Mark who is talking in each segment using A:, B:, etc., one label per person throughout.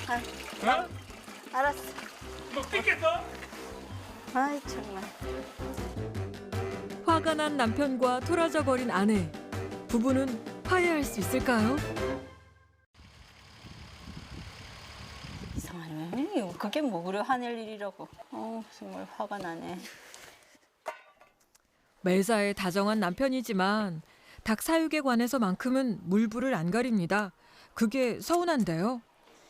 A: 어?
B: 알았어.
A: 너 삐겠어?
B: 아이 정말.
C: 화가 난 남편과 토라져 버린 아내. 부부는 화해할 수 있을까요?
B: 이상하네. 그게 뭐 그래 화낼 일이라고. 정말 화가 나네.
C: 매사에 다정한 남편이지만 닭 사육에 관해서만큼은 물불을 안 가립니다. 그게 서운한데요.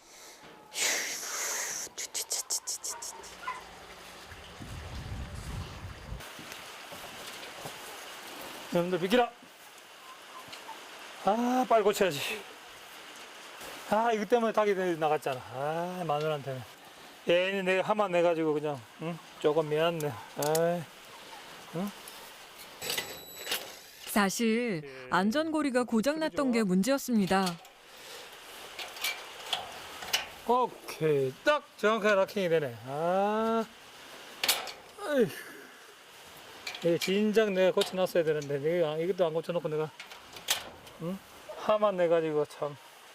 A: 여러분들 비키라. 아, 빨리 고쳐야지. 아, 이거 때문에 닭이 나갔잖아. 아, 마누라한테는. 얘는 내가 하만 내가지고 그냥, 응? 조금 미안네. 아이, 응?
C: 사실 안전고리가 고장났던 게 문제였습니다.
A: 오케이. 딱 정확하게 락킹이 되네. 아, 어이. 이게 진작 내가 고쳐놨어야 되는데, 내가 이것도 안 고쳐놓고 내가, 응? 하만 내가지고 참.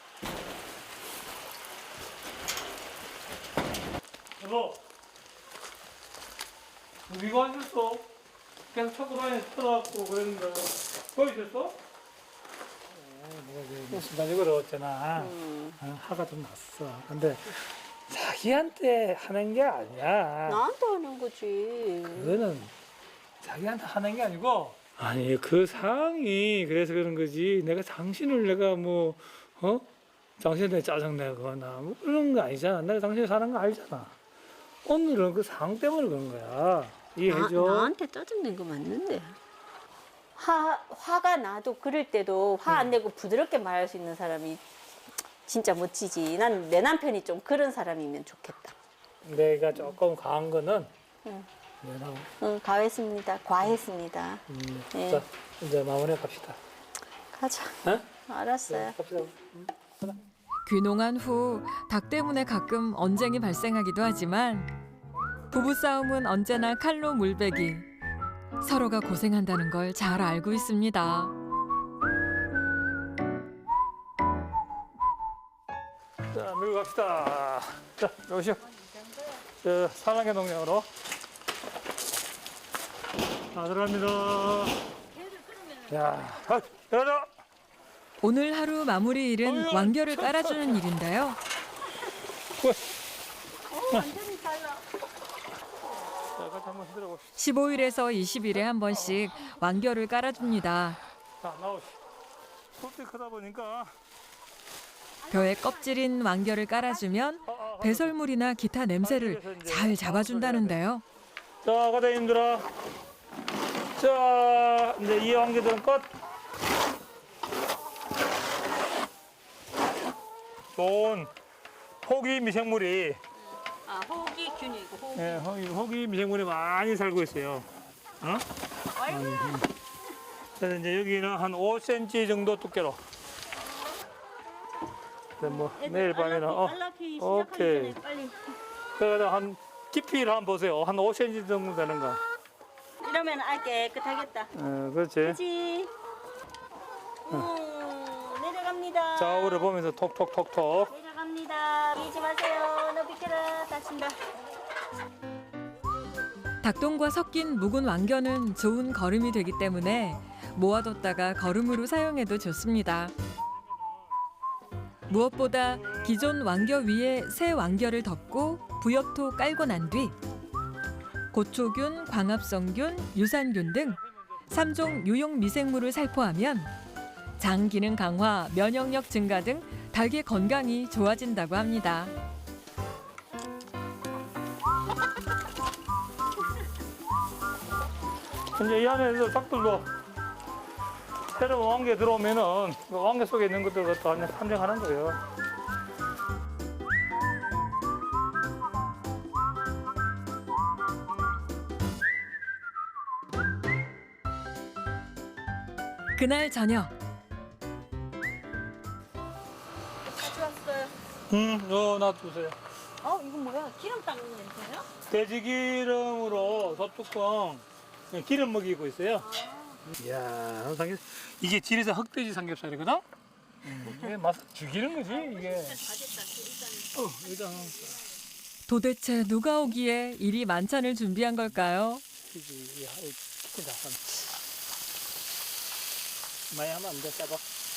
A: 여보, 이거 안 줬어? 계속 초코바에 터져갖고 그랬는데, 거기 있었어? 내가 순간적으로 어쩌나, 화가 좀 났어. 근데 자기한테 하는 게 아니야.
B: 나한테 하는 거지.
A: 그거는 자기한테 하는 게 아니고, 아니 그 상황이 그래서 그런 거지. 내가 당신을 내가 뭐 당신한테 짜증내거나 뭐 그런 거 아니잖아. 내가 당신 사는 거 알잖아. 오늘은 그 상황 때문에 그런 거야. 이해해줘.
B: 나한테 짜증낸 거 맞는데. 화가 나도 그럴 때도 화 안 내고 부드럽게 말할 수 있는 사람이 진짜 멋지지. 난 내 남편이 좀 그런 사람이면 좋겠다.
A: 내가 조금 과한 거는
B: 응.
A: 내가
B: 응, 과했습니다. 네.
A: 자, 이제 마무리 갑시다.
B: 가자.
A: 어?
B: 알았어요.
A: 갑시다.
C: 귀농한 후 닭 때문에 가끔 언쟁이 발생하기도 하지만 부부싸움은 언제나 칼로 물베기. 서로가 고생한다는 걸 잘 알고 있습니다.
A: 자, 밀고 갑시다. 자, 오시오. 저 사랑의 농장으로. 자, 들어갑니다. 야, 들어가자.
C: 오늘 하루 마무리 일은 완결을 깔아주는 일인데요.
B: 완전히 달라.
A: 자, 같이 한번 흔들어 봅시다.
C: 15일에서 20일에 한 번씩 완결을 깔아줍니다.
A: 자, 나오시. 껍질 크다 보니까.
C: 벼의 껍질인 완결을 깔아주면 배설물이나 기타 냄새를 잘 잡아준다는데요.
A: 자, 과장님들아. 자, 이제 이 완결들은 끝. 좋은 호기 미생물이,
B: 호기균이고 호기.
A: 예, 호기 미생물이 많이 살고 있어요. 어? 그래서 이제 여기는 한 5cm 정도 두께로. 뭐 내일 밤에는
B: 알라피
A: 오케이.
B: 시작하기 전에 빨리.
A: 그래서 한 깊이를 한번 보세요. 한 5cm 정도 되는 거.
B: 이러면 알 깨끗하겠다.
A: 그렇지.
B: 그렇지. 내려갑니다.
A: 좌우를 보면서 톡톡톡톡.
B: 내려갑니다. 밀지 마세요. 너 비켜라. 다친다.
C: 닭똥과 섞인 묵은 완겨는 좋은 거름이 되기 때문에 모아뒀다가 거름으로 사용해도 좋습니다. 무엇보다 기존 완겨 위에 새 완겨를 덮고 부엽토 깔고 난 뒤 고초균, 광합성균, 유산균 등 3종 유용 미생물을 살포하면 장 기능 강화, 면역력 증가 등 닭의 건강이 좋아진다고 합니다.
A: 이제 이 안에서 닭들도 새로운 왕개 들어오면은 그 왕개 속에 있는 것들을 또 함정하는 거예요.
C: 그날 저녁
B: 가져왔어요.
A: 놔두세요.
B: 이건 뭐야? 기름 닦는 냄새야?
A: 돼지 기름으로 소뚜껑 기름 먹이고 있어요. 이야, 이게 질에서 흑돼지 삼겹살이거든? 이게 맛 죽이는 거지, 이게.
B: 다 됐다. 일단
A: 여기다
C: 도대체 누가 오기에 이리 만찬을 준비한 걸까요?
A: 키친다. 많이 하면 안 돼, 짜봐.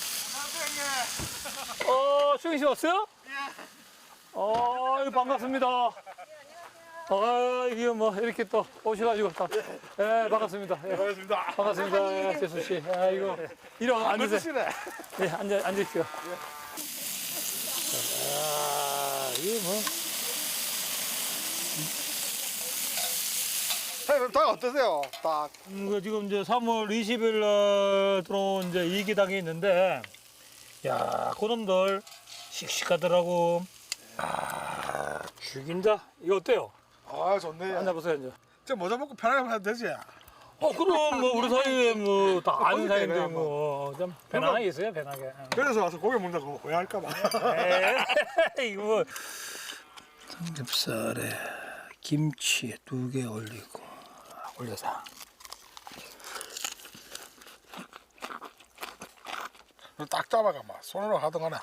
A: 수경 씨 왔어요? 반갑습니다. 이게 뭐 이렇게 또 오셔가지고 다. 예, 반갑습니다. 예.
D: 반갑습니다.
A: 반갑습니다. 예, 재수 씨. 이거 이리 와 앉으세요. 예, 앉으십시오. 이게 뭐.
D: 사장님, 닭 어떠세요? 닭.
A: 지금 이제 3월 20일 날 들어온 이제 2기당이 있는데, 야, 그놈들 씩씩하더라고. 죽인다. 이거 어때요?
D: 아, 좋네요.
A: 앉아보세요, 이제.
D: 저 모자 벗고 편하게 해도 되지?
A: 그럼 뭐 우리 사이에 뭐 다 아는
D: 거기
A: 사이인데
D: 때문에
A: 뭐좀 편하게 있어요, 편하게.
D: 그래서 와서 고기 먹는다고 오해할까봐.
A: 이거 뭐 삼겹살에 김치 2개 올리고 올려서.
D: 딱 잡아가 막 손으로 하던가나.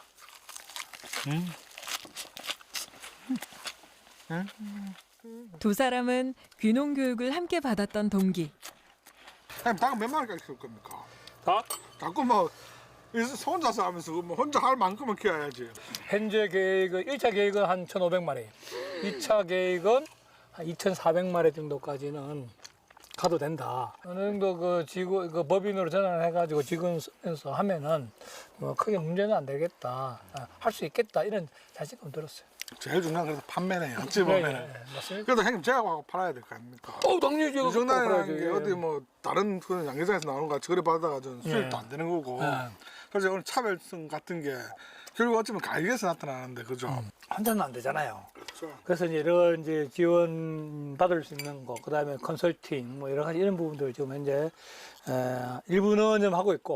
C: 두 사람은 귀농 교육을 함께 받았던 동기.
D: 사장님, 닭은 몇 마리까지 키울 겁니까?
A: 닭?
D: 자꾸 뭐 혼자서 하면서 뭐 혼자 할 만큼은 키워야지.
A: 현재 계획은 1차 계획은 한 1,500마리, 2차 계획은 한 2,400마리 정도까지는 가도 된다. 어느 정도 그 법인으로 전환해가지고 직원 쓰면서 하면은 뭐 크게 문제는 안 되겠다, 할 수 있겠다 이런 자신감 들었어요.
D: 제일 중요한 건 판매네요. 어찌 보면.
A: 맞습니다.
D: 그래도 형님 제가 하고 팔아야 될 거 아닙니까?
A: 당연히 제가
D: 이 정도라는
A: 팔아야지.
D: 게 어디 뭐 다른 그 양계장에서 나오는 거 처리 받아가지고 수입도 안 되는 거고. 그래서 오늘 차별성 같은 게 결국 어쩌면 가격에서 나타나는데 그죠?
A: 혼자는 안 되잖아요.
D: 그렇죠.
A: 그래서 이제 이런 이제 지원 받을 수 있는 거, 그다음에 컨설팅 뭐 여러 가지 이런 부분들 지금 현재 일부는 좀 하고 있고.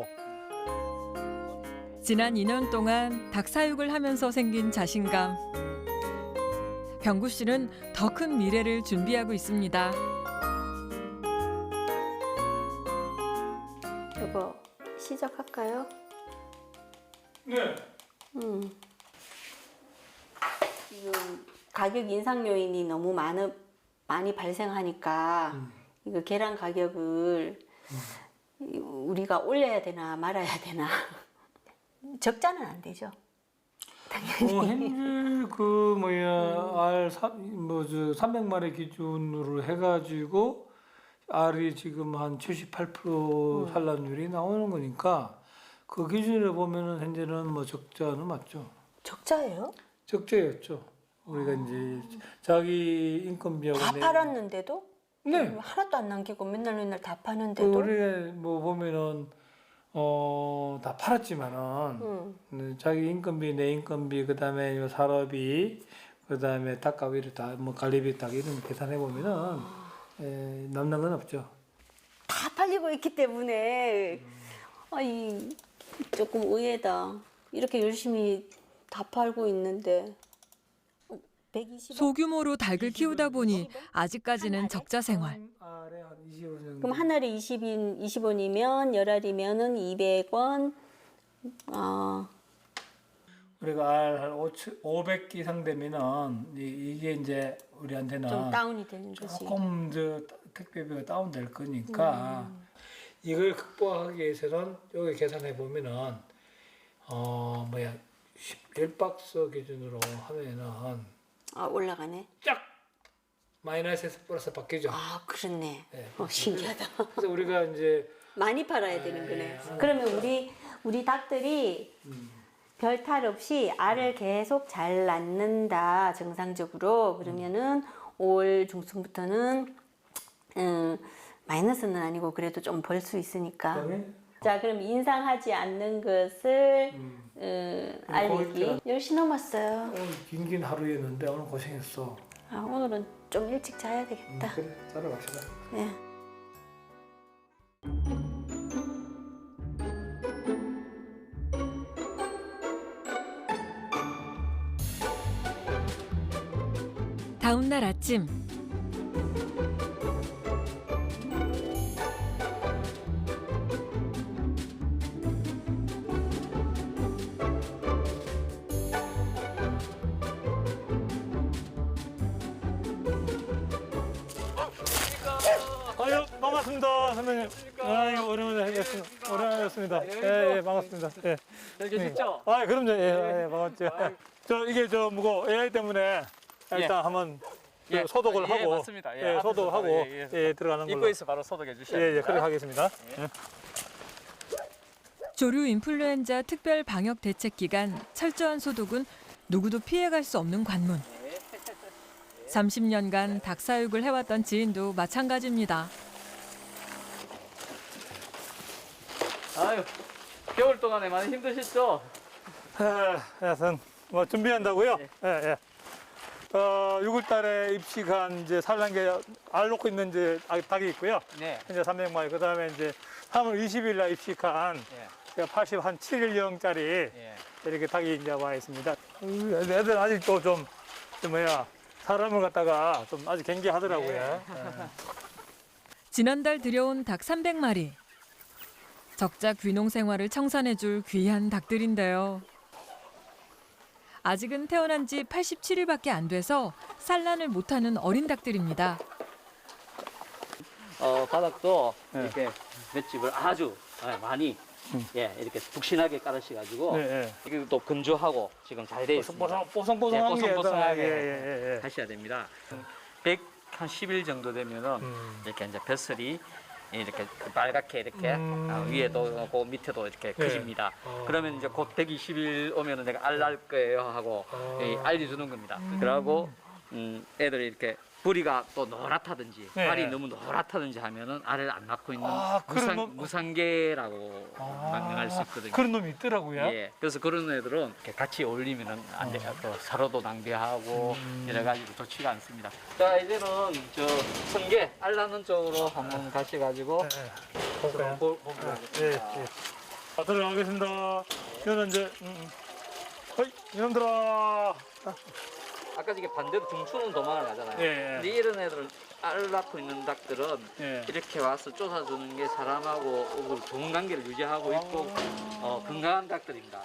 C: 지난 2년 동안 닭 사육을 하면서 생긴 자신감. 병구 씨는 더 큰 미래를 준비하고 있습니다.
B: 여보, 시작할까요?
A: 네.
B: 지금 가격 인상 요인이 너무 많이 발생하니까 이거 계란 가격을 우리가 올려야 되나 말아야 되나. 적자는 안 되죠. 당연히.
A: 현재 그 뭐야 300마리 기준으로 해가지고 알이 지금 한 78% 산란율이 나오는 거니까 그 기준으로 보면은 현재는 뭐 적자는 맞죠.
B: 적자예요?
A: 적자였죠. 우리가 이제 자기 인건비하고
B: 다 팔았는데도?
A: 네.
B: 하나도 안 남기고 맨날 다 파는데도?
A: 우리가 뭐 보면은 다 팔았지만은 자기 인건비, 내 인건비, 그다음에 사업비, 그다음에 닭가위를 다 뭐 관리비 딱 이런 계산해 보면은 남는 건 없죠.
B: 다 팔리고 있기 때문에 조금 의외다. 이렇게 열심히 다 팔고 있는데 120원?
C: 소규모로 닭을 키우다 보니 아직까지는 적자 생활.
A: 알에 한 20원 정도.
B: 그럼 한 알에 20원이면 열 알이면은 200원.
A: 우리가 알 500개 이상 되면은 이게 이제 우리한테는
B: 좀 다운이 되는 거지.
A: 조금 택배비가 다운될 거니까 이걸 극복하기 위해서는 여기 계산해 보면은 10박스 기준으로 하면은
B: 올라가네.
A: 쫙 마이너스에서 플러스 바뀌죠.
B: 그렇네.
A: 네.
B: 신기하다.
A: 그래서 우리가 이제
B: 많이 팔아야 되는 거네. 그러면 우리 닭들이 별 탈 없이 알을 계속 잘 낳는다 정상적으로. 그러면은 5월 중순부터는 마이너스는 아니고 그래도 좀 벌 수 있으니까. 자, 그럼 인상하지 않는 것을 알리기. 10시 넘었어요.
A: 오늘 긴 하루였는데 오늘 고생했어.
B: 오늘은 좀 일찍 자야 되겠다.
A: 그래, 자러 갑시다.
B: 네.
C: 다음 날 아침
A: 반갑습니다, 선배님. 아이고, 오랜만에 뵙겠습니다. 오랜만에 뵙습니다. 예, 반갑습니다. 예.
E: 잘 계셨죠?
A: 아, 그럼요. 예, 반갑죠. 이게 뭐고 AI 때문에 일단 한번 소독을 하고,
E: 맞습니다.
A: 소독하고,
E: 앞에서
A: 들어가는 걸로.
E: 입구에서 바로 소독해 주셔야
A: 예,
E: 됩니다.
A: 그렇게 하겠습니다.
C: 조류 인플루엔자 특별 방역 대책 기간 철저한 소독은 누구도 피해갈 수 없는 관문. 30년간 닭 사육을 해왔던 지인도 마찬가지입니다.
E: 아유, 겨울 동안에 많이 힘드셨죠?
A: 하여튼 준비한다고요? 예. 6월달에 입시간 이제 산란계 알 놓고 있는 이제 닭이 있고요.
E: 네.
A: 현재 300마리. 그다음에 이제 3월 20일 날 입시간
E: 예.
A: 87일령짜리
E: 예.
A: 이렇게 닭이 이제 와 있습니다. 애들 아직도 좀 사람을 갖다가 좀 아직 경계하더라고요. 예.
C: 지난달 들여온 닭 300마리. 적자 귀농 생활을 청산해줄 귀한 닭들인데요. 아직은 태어난 지 87일밖에 안 돼서 산란을 못하는 어린 닭들입니다.
E: 바닥도
A: 네.
E: 이렇게 맷집을 아주 많이 이렇게 푹신하게 깔으셔가지고 이게 또 건조하고 지금 잘 되어 있습니다.
A: 뽀송뽀송한 게
E: 뽀송뽀송하게 하셔야 됩니다. 110일 정도 되면은 이렇게 이제 벼슬이 이렇게 빨갛게 이렇게 위에도 그 밑에도 이렇게 커집니다. 그러면 이제 곧 120일 오면은 내가 알 날 거예요 하고 알려주는 겁니다. 그러고 애들이 이렇게 부리가 또 노랗다든지 알이 너무 노랗다든지 하면은 알을 안 낳고 있는 무상계라고 명명할 수 있거든요.
A: 그런 놈이 있더라고요.
E: 예, 그래서 그런 애들은 이렇게 같이 어울리면은 안 돼요. 또 서로도 낭비하고 여러 가지로 좋지가 않습니다. 자, 이제는 저 성게 알 낳는 쪽으로 한번 가셔가지고 보고
A: 들어가겠습니다. 이거는 이제 이놈들아.
E: 아까 이게 반대로 중추는 도망을 가잖아요. 근데 이런 애들은 알 낳고 있는 닭들은 이렇게 와서 쫓아주는 게 사람하고 좋은 관계를 유지하고 있고 건강한 닭들입니다.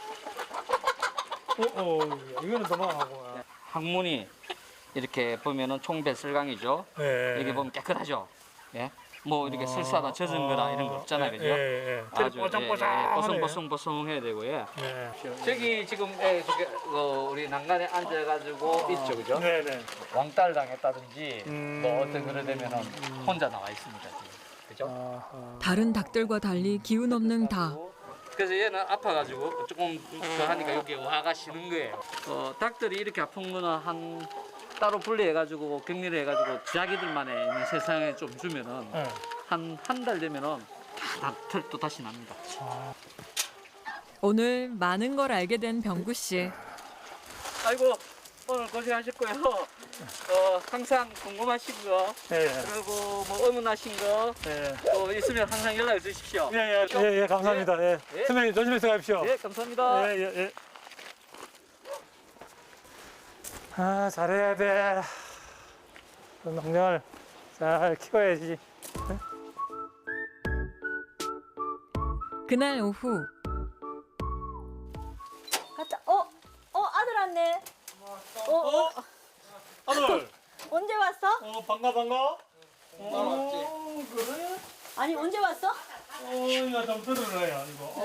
A: 이거는 도망하고.
E: 항문이 이렇게 보면은 총배설강이죠. 여기 보면 깨끗하죠. 예. 뭐 이렇게 설사다 젖은 거다 이런 거 없잖아요, 그죠? 아주 뽀송뽀송해야 되고요. 저기 지금 우리 난간에 앉아가지고 있죠, 그죠? 왕따를 당했다든지 뭐 어떤 그런 되면은 혼자 나와 있습니다, 지금. 그죠?
C: 다른 닭들과 달리 기운 없는 닭.
E: 그래서 얘는 아파가지고 조금 더 하니까 여기 와가 쉬는 거예요. 닭들이 이렇게 아픈 거는 따로 분리해가지고 격리를 해가지고 자기들만의 있는 세상에 좀 주면은 한 달 되면은 다 털도 다시 납니다.
C: 오늘 많은 걸 알게 된 병구 씨.
E: 아이고 오늘 고생하셨고요. 항상 궁금하신 거 그리고 뭐 의문하신 거 또 있으면 항상 연락을 주십시오.
A: 예, 감사합니다. 선배님 조심해서 가십시오.
E: 예, 감사합니다.
A: 잘해야 돼. 농장을 잘 키워야지.
C: 그날 오후
B: 갔다. 아들 왔네.
A: 아들.
B: 언제 왔어?
A: 반가.
D: 그래?
B: 아니 언제 왔어?
A: 이거 좀 들으래요, 이거.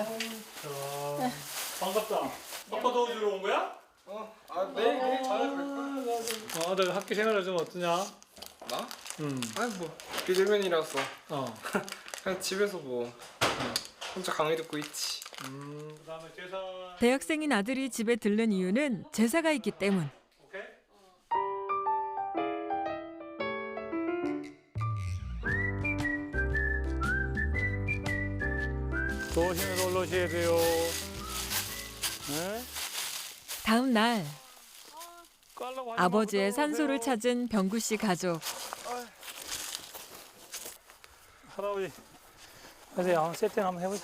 A: 반갑다. 아빠 도와주러 온 거야?
D: 내일 저녁 갈 거야.
A: 너 학교 생활은 좀 어떠냐?
F: 나? 아니 뭐 비대면이라서 그냥 집에서 혼자 강의 듣고 있지.
A: 그다음에 제사.
C: 대학생인 아들이 집에 들른 이유는 제사가 있기 때문.
A: 오케이. 조심해서 올라오셔야 돼요. 네?
C: 다음 날 아버지의 산소를 찾은 병구 씨 가족.
A: 할아버지, 그래서 한번 세팅 한번 해보자.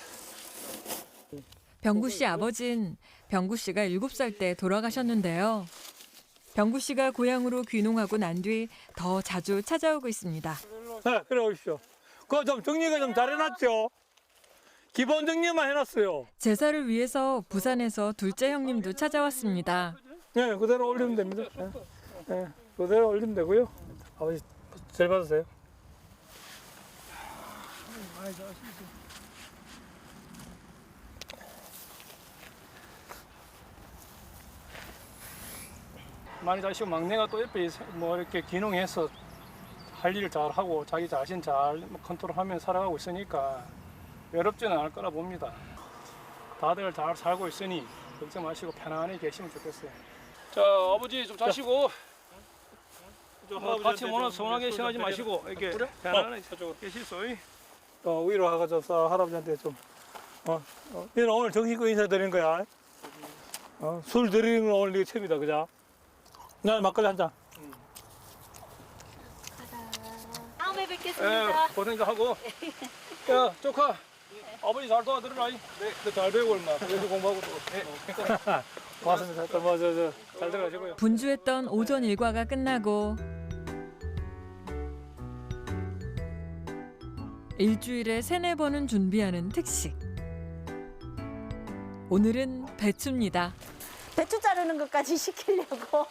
C: 병구 씨 아버진 병구 씨가 7살 때 돌아가셨는데요. 병구 씨가 고향으로 귀농하고 난 뒤 더 자주 찾아오고 있습니다.
A: 네, 그래 오십시오. 그거 좀 정리가 좀 잘해놨죠? 기본 정리만 해놨어요.
C: 제사를 위해서 부산에서 둘째 형님도 찾아왔습니다.
A: 네, 그대로 올리면 됩니다. 그대로 올리면 되고요. 아버지, 잘 받으세요. 많이 자시고 막내가 또 옆에 뭐 이렇게 귀농해서 할 일을 잘 하고 자기 자신 잘 컨트롤하면 살아가고 있으니까 외롭지는 않을 거라 봅니다. 다들 잘 살고 있으니 걱정 마시고 편안히 계시면 좋겠어요. 자, 아버지 좀 자시고 같이 모나 서운하게 생각하지 마시고 이렇게 편안하게 계시소. 위로하고서 할아버지한테 좀 얘는 오늘 정식으로 인사드리는 거야. 술 드리는 건 오늘 이게 처음이다, 그죠? 나 막걸리 한 잔.
B: 다음에 뵙겠습니다.
A: 고생도 하고. 야, 조카. 아버지 잘 도와드려라. 네. 잘 배우고 얼마. 여기 공부하고 또. 고맙습니다. 잘 들어가시고요.
C: 분주했던 오전 일과가 끝나고 일주일에 3-4번은 준비하는 특식. 오늘은 배추입니다.
B: 배추 자르는 것까지 시키려고.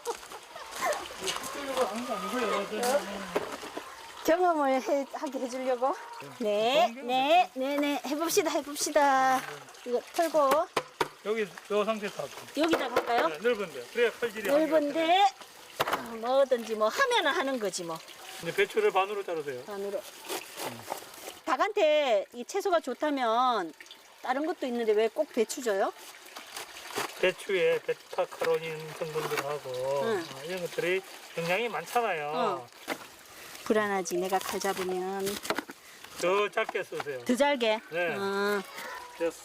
B: 경험을 하게 해주려고. 네. 해봅시다. 이거 털고
A: 여기 저 상태에서 하고.
B: 여기다 할까요?
A: 네, 넓은데. 그래야 칼질이
B: 넓은데 뭐든지 뭐 하면은 하는 거지 뭐.
A: 이제 배추를 반으로 자르세요.
B: 반으로. 닭한테 이 채소가 좋다면 다른 것도 있는데 왜 꼭 배추 줘요?
A: 배추에 베타카로닌 성분들하고
B: 응.
A: 이런 것들이 영양이 많잖아요.
B: 불안하지. 내가 칼 잡으면
A: 더 작게 쓰세요.
B: 더 잘게.
A: 네. 됐어.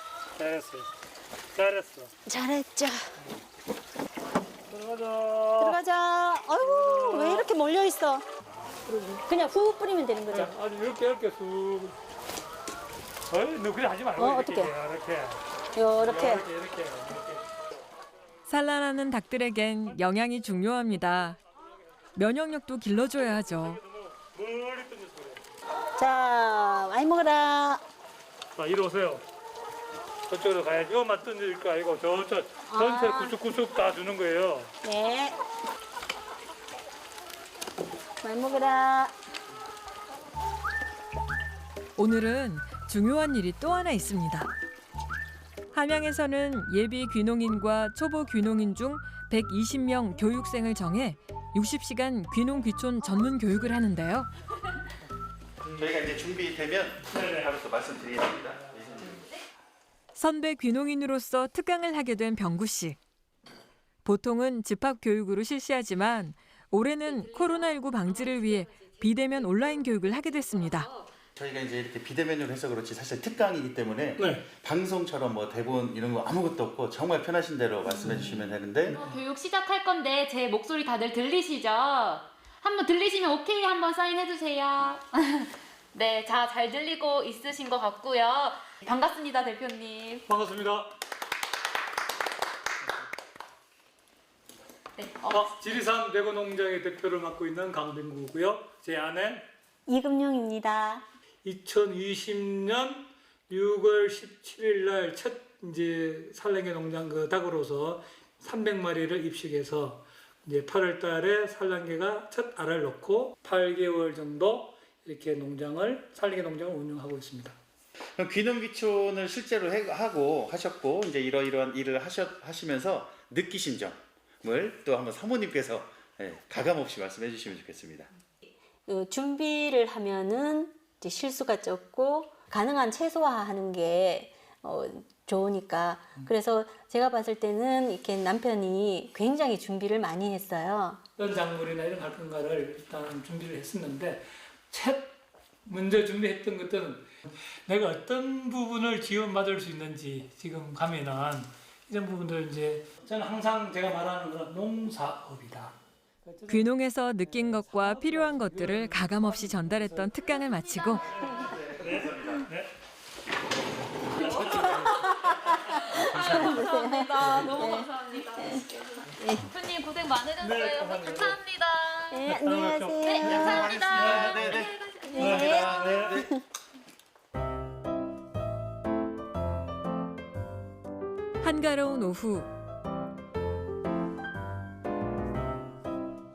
A: 잘했어.
B: 잘했죠.
A: 들어가자.
B: 들어가자. 아이고 왜 이렇게 몰려 있어? 그냥 후 뿌리면 되는 거죠.
A: 아주 이렇게 쑥. 너 그냥 하지 말고
B: 어떻게?
A: 이렇게.
B: 이렇게.
C: 산란하는 닭들에겐 영양이 중요합니다. 면역력도 길러줘야 하죠.
A: 멀리 던져서 그래.
B: 자 많이 먹어라.
A: 자, 이리 오세요. 저쪽으로 가야지. 이것만 던질 거 아니고 전체를 구석구석 다 주는 거예요.
B: 네. 많이 먹어라.
C: 오늘은 중요한 일이 또 하나 있습니다. 함양에서는 예비 귀농인과 초보 귀농인 중 120명 교육생을 정해 60시간 귀농 귀촌 전문 교육을 하는데요.
G: 저희가 이제 준비되면 바로 또 말씀드리겠습니다.
C: 선배 귀농인으로서 특강을 하게 된 병구 씨. 보통은 집합 교육으로 실시하지만 올해는 코로나19 방지를 위해 비대면 온라인 교육을 하게 됐습니다.
G: 저희가 이제 이렇게 비대면으로 해서 그렇지 사실 특강이기 때문에
A: 네.
G: 방송처럼 뭐 대본 이런 거 아무것도 없고 정말 편하신 대로 말씀해 주시면 되는데
H: 교육 시작할 건데 제 목소리 다들 들리시죠? 한번 들리시면 오케이 한번 사인해 주세요. 네, 잘 들리고 있으신 것 같고요. 반갑습니다, 대표님.
A: 반갑습니다.
H: 네,
A: 지리산 대구농장의 대표를 맡고 있는 강병구고요. 제 아내
B: 이금용입니다.
A: 2020년 6월 17일 날 첫 이제 산란계 농장 그 닭으로서 300마리를 입식해서 이제 8월 달에 산란계가 첫 알을 넣고 8개월 정도 이렇게 산란계 농장을 운영하고 있습니다.
G: 그럼 귀농 귀촌을 실제로 하고 하셨고 이제 이러이러한 일을 하시면서 느끼신 점을 또 한번 사모님께서 가감 없이 말씀해 주시면 좋겠습니다.
B: 준비를 하면은 이제 실수가 적고 가능한 최소화하는 게 좋으니까 그래서 제가 봤을 때는 이렇게 남편이 굉장히 준비를 많이 했어요.
A: 어떤 작물이나 이런 활동가를 일단 준비를 했었는데 먼저 준비했던 것들은 내가 어떤 부분을 지원받을 수 있는지 지금 가면은 이런 부분들 이제 저는 항상 제가 말하는 건 농사업이다.
C: 귀농에서 느낀 것과 필요한 것들을 가감없이 전달했던 특강을 마치고
H: 감사합니다. 너무 감사합니다. 대표님 고생 많으셨어요. 감사합니다.
B: 네, 안녕하세요.
H: 네, 감사합니다.
B: 네.
C: 한가로운 오후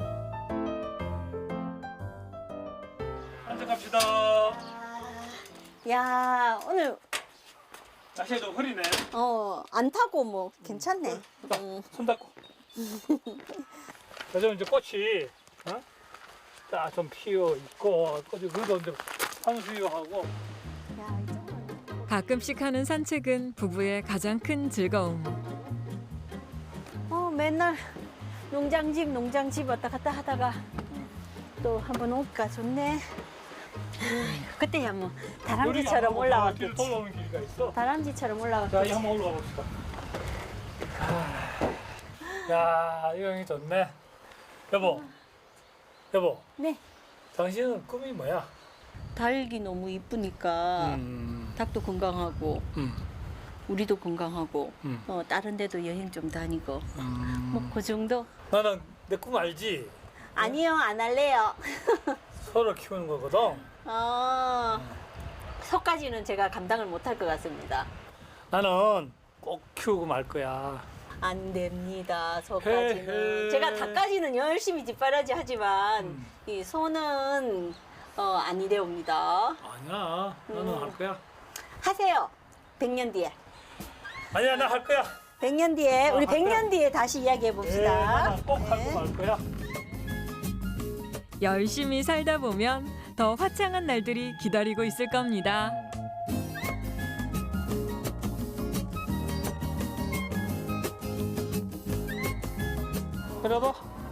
A: 앉아 갑시다.
B: 야, 오늘
A: 날씨가 좀 흐리네.
B: 안 타고 뭐 괜찮네.
A: 손 닦고. 요즘 이제 꽃이 딱 좀 피어 있고, 꽃이 그래도 이제 산수유하고.
B: 야, 이쪽은
C: 가끔씩 하는 산책은 부부의 가장 큰 즐거움.
B: 맨날 농장집 왔다 갔다 하다가 또 한번 올까 좋네. 그때야 뭐 다람쥐처럼 올라왔겠지.
A: 돌아오는 길이가 있어.
B: 다람쥐처럼
A: 자,
B: 올라왔겠지.
A: 이 한번 올라가 봅시다. 야, 이 형이 좋네. 여보,
B: 네.
A: 당신은 꿈이 뭐야?
B: 닭이 너무 이쁘니까 닭도 건강하고 우리도 건강하고 다른 데도 여행 좀 다니고 뭐 그 정도?
A: 나는 내 꿈 알지?
B: 아니요, 안 할래요.
A: 소를 키우는 거거든.
B: 소까지는 제가 감당을 못할 것 같습니다.
A: 나는 꼭 키우고 말 거야.
B: 안 됩니다. 소까지는.
A: 헤헤.
B: 제가 닭까지는 열심히 뒷바라지 하지만 이 소는 아니래옵니다.
A: 아니야, 나는 할 거야.
B: 하세요. 100년 뒤에.
A: 아니야, 나 할 거야.
B: 100년 뒤에 우리
A: 할 거야.
B: 100년 뒤에 다시 이야기해 봅시다.
A: 나는 꼭 하고 말 거야.
C: 열심히 살다 보면 더 화창한 날들이 기다리고 있을 겁니다.
A: 여보,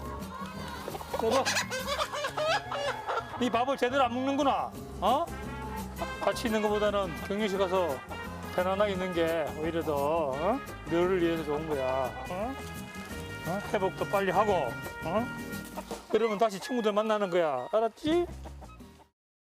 A: 네 밥을 제대로 안 먹는구나. 같이 있는 것보다는 격리실 가서 편안하게 있는 게 오히려 더 너를 위해서 좋은 거야. 회복도 빨리 하고, 그러면 다시 친구들 만나는 거야. 알았지?